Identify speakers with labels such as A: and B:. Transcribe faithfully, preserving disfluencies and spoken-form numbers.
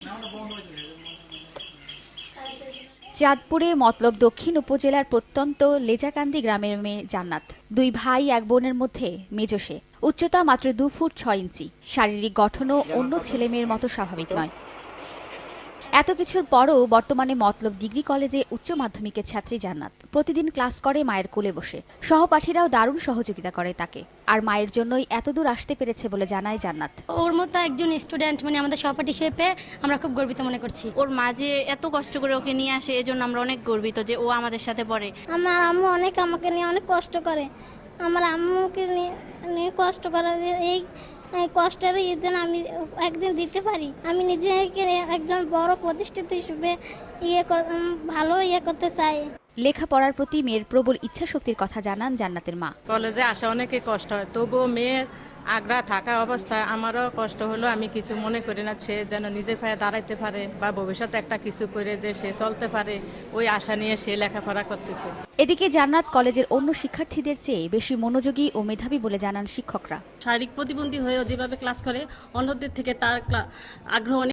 A: চাঁদপুরে মতলব দক্ষিণ উপজেলার প্রত্যন্ত লেজাকান্দি গ্রামের মেয়ে জান্নাত। দুই ভাই এক বোনের মধ্যে মেজো সে। উচ্চতা মাত্র দু ফুট ছয় ইঞ্চি। শারীরিক গঠনও অন্য ছেলে মেয়ের মতো স্বাভাবিক নয়। এত কিছুর পরও বর্তমানে মতলব ডিগ্রি কলেজে উচ্চ মাধ্যমিকের ছাত্রী জান্নাত। প্রতিদিন ক্লাস করে মায়ের কোলে বসে। সহপাঠীরাও দারুণ সহযোগিতা করে তাকে। আর মায়ের জন্যই এতদূর আসতে পেরেছে বলে জানায় জান্নাত।
B: ওর মতো একজন স্টুডেন্ট মানে আমাদের সহপাঠী হিসেবে পেয়ে আমরা খুব গর্বিত মনে করছি।
C: ওর মা যে এত কষ্ট করে ওকে নিয়ে আসে, এজন্য আমরা অনেক গর্বিত যে ও আমাদের সাথে পড়ে।
D: আমার আম্মু অনেক আমাকে নিয়ে অনেক কষ্ট করে। আমার আম্মুকে নিয়ে কষ্ট করে, এই কষ্টের জন্য আমি একদিন দিতে পারি। আমি নিজেকে একজন বড় প্রতিষ্ঠিত হিসেবে ইয়ে ভালো ইয়ে করতে চাই।
A: লেখাপড়ার প্রতি মেয়ের প্রবল ইচ্ছাশক্তির কথা জানান জান্নাতের মা।
E: কলেজে আসা অনেকে কষ্ট হয়, তবুও মেয়ের আগ্রহ থাকা অবস্থায় আমারও কষ্ট হলো। আমি কিছু মনে করি না, সে যেন নিজে পায়ে দাঁড়াইতে পারে বা ভবিষ্যতে একটা কিছু করে যে সে চলতে পারে, ওই আশা নিয়ে সে লেখাপড়া করতেছে।
A: এদিকে জান্নাত কলেজের অন্য শিক্ষার্থীদের চেয়ে বেশি মনোযোগী ও মেধাবী বলে জানান শিক্ষকরা।
F: শারীরিক প্রতিবন্ধী হয়েও যেভাবে ক্লাস করে অন্যদের থেকে তার আগ্রহ